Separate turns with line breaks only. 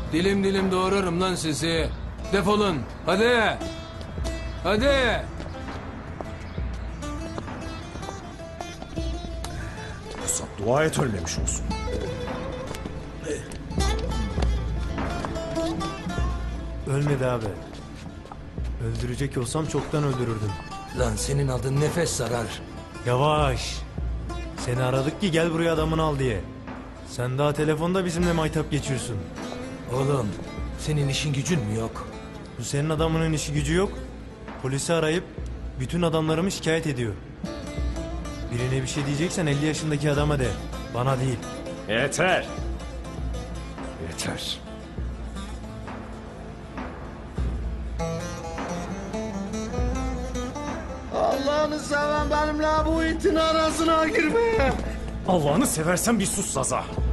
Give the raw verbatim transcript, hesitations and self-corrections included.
Dilim dilim doğrarım lan sizi. Defolun. Hadi. Hadi.
Pusat, dua et ölmemiş olsun.
Ölmedi abi. Öldürecek olsam çoktan öldürürdüm.
Lan senin adın nefes zarar.
Yavaş. Seni aradık ki gel buraya adamını al diye. Sen daha telefonda bizimle maytap geçiyorsun.
Oğlum senin işin gücün mü yok?
Bu senin adamının işi gücü yok. Polisi arayıp bütün adamlarımı şikayet ediyor. Birine bir şey diyeceksen elli yaşındaki adama de. Bana değil.
Yeter. Yeter.
Allah'ını seven benimle bu itin arasına girme.
Allah'ını seversen bir sus Zaza.